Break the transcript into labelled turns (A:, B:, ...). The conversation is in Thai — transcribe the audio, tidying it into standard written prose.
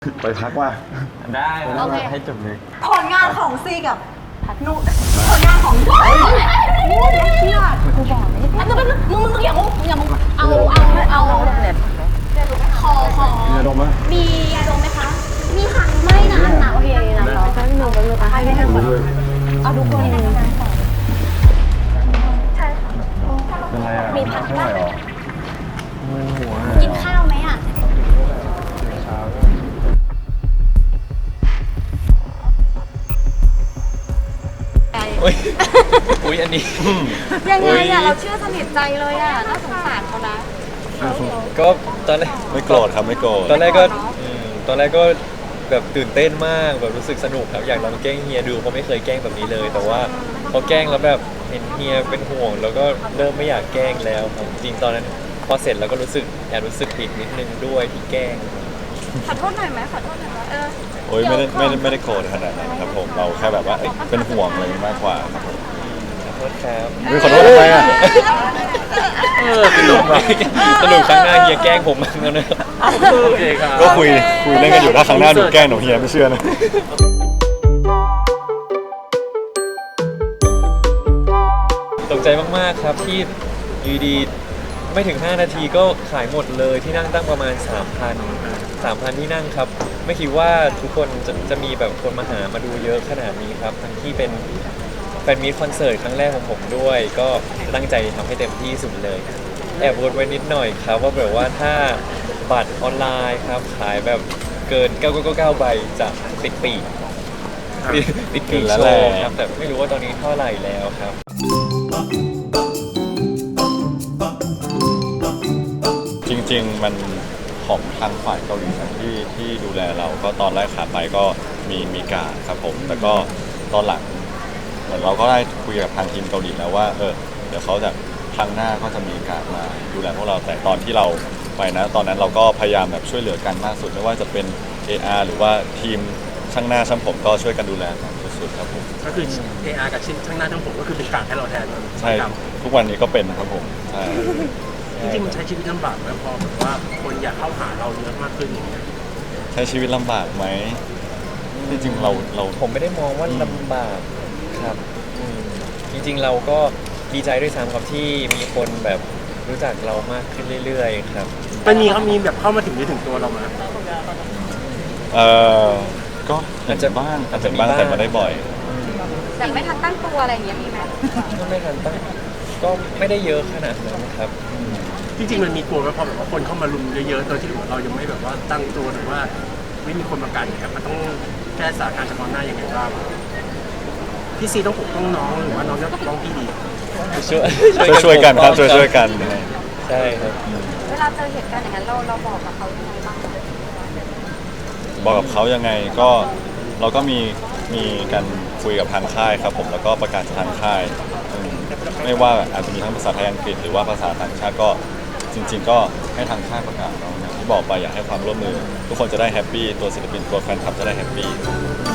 A: ไปพักว่า
B: ได้ให้จบเลย
C: ผลงานของซีกับนุผลงานของเชื่อกูบอกเลยมึงอย่ามึงเอาเนี่ยขอ
A: มีอารมณ์ไหม
C: มีอารมณ์ไหมคะมีค่ะไม่นะอันหนาโอเคนะเราก็หนูให้ได้ทั้งหมดเอาทุกคนใช่
A: เป็นไรอ่ะมีพักไม่ไหวหรอ
C: กินข้าวไหมอ่ะ
B: อุ้ยอันนี้
C: ยังไงอ่ะเราเชื่อสนิทใจเลยอ่ะน่าสงสารเขานะ
B: ก็ตอนแรก
A: ไม่โกรธครับไม่โกรธ
B: ตอนแรกก็แบบตื่นเต้นมากแบบรู้สึกสนุกครับอยากลองแกล้งเฮียดูเพราะไม่เคยแกล้งแบบนี้เลยแต่ว่าพอแกล้งแล้วแบบเห็นเฮียเป็นห่วงแล้วก็เริ่มไม่อยากแกล้งแล้วครับจริงตอนนั้นพอเสร็จแล้วก็รู้สึกผิดนิดนึงด้วยที่แกล้ง
C: ขอโทษหน่อยไหมขอโทษหน่อยไหม
A: โอ้ยไม่ได้โกรธขนาดนั้นครับผมเราแค่แบบว่าเป็นห่วงอะไรมากกว่าครับผม
B: ขอโทษครับ
A: ขอโทษทำไมอ่ะ
B: สนุกครั้งหน้าเฮียแกล้งผมมั้งแล้วนะโอเคครับ
A: ก็คุยเล่นกันอยู่ถ้าครั้งหน้าหนูแกล้งหนูเฮียไม่เชื่อนะ
B: ตกใจมากๆครับที่อยู่ดีไม่ถึง5นาทีก็ขายหมดเลยที่นั่งตั้งประมาณ 3,000 ที่นั่งครับไม่คิดว่าทุกคนจะมีแบบคนมาดูเยอะขนาดนี้ครับทั้งที่เป็นแฟนมีตคอนเสิร์ตครั้งแรกของผมด้วยก็ตั้งใจทำให้เต็มที่สุดเลยแอบวนไว้นิดหน่อยครับว่าแบบว่าถ้าบัตรออนไลน์ครับขายแบบเกิน999ใบจะปิดปีโชว์ครับแต่ไม่รู้ว่าตอนนี้เท่าไหร่แล้วครับ
A: จริงๆมันของทางฝ่ายเกาหลีที่ดูแลเราก็ตอนแรกขาไปก็มีการครับผมแต่ก็ตอนหลังเหมือนเราก็ได้คุยกับทางทีมเกาหลีแล้วว่าเดี๋ยวเขาจะครั้งหน้าก็จะมีการมาดูแลพวกเราแต่ตอนที่เราไปนะตอนนั้นเราก็พยายามแบบช่วยเหลือกันมากสุดไม่ว่าจะเป็น AR หรือว่าทีมช่างหน้าช่างผมก็ช่วยกันดูแลกันสุดๆครับผม
D: ก็คือ AR กับช่างหน้าช่างผมก็คือเป็นการให้เราแทน
A: ใช่ทุกวันนี้ก็เป็นครับผมใช่
D: จริงๆมันใช้ชีวิตลำบากไหมพอแบบว่าคนอยากเข้าหาเราเยอะมากขึ้นอย่างเงี้ย
A: ใช้ชีวิตลำบากไหมจริงๆเรา
B: ผมไม่ได้มองว่าลำบากครับจริงๆเราก็ดีใจด้วยซ้ำครับที่มีคนแบบรู้จักเรามากขึ้นเรื่อยๆครับ
D: มันมีแบบเข้ามาถึงตัวเราไหม
A: ก็อาจจะบ้างแต่ไม่ได้บ่อย
C: แต่ไม่ทันตั้งตัวอะไรอย่างเงี้ยมีไหม
B: ก็ไม่ทันตั้งก็ไม่ได้เยอะขนาดนั้นครับ
D: จริงๆมันมีกลัวไหมพอแบบว่าคนเข้ามารุมเยอะๆโดยที่เรายังไม่แบบว่าตั้งตัวหรือว่าไม่มีคนประกันเนี่ยมันต้องแก้สถานการณ์เฉพาะหน้ายังไงบ้างพี่ซีต้องปกป้องน้องหรือว่าน้องต้องปกป้องพี่ดี
A: ช่วยกันครับช่วยกัน
B: ใช่ครับ
C: เวลาเจอเหตุการณ์อย่างนั้นเราบอกกับเขายังไงบ้าง
A: บอกกับเขายังไงก็เราก็มีการคุยกับทางค่ายครับผมแล้วก็ประกาศทางค่ายไม่ว่าอาจจะมีทั้งภาษาไทยอังกฤษหรือว่าภาษาต่างชาติก็จริงๆก็ให้ทางค่ายประกาศเราอย่างที่บอกไปอยากให้ความร่วมมือทุกคนจะได้แฮปปี้ตัวศิลปินตัวแฟนคลับจะได้แฮปปี้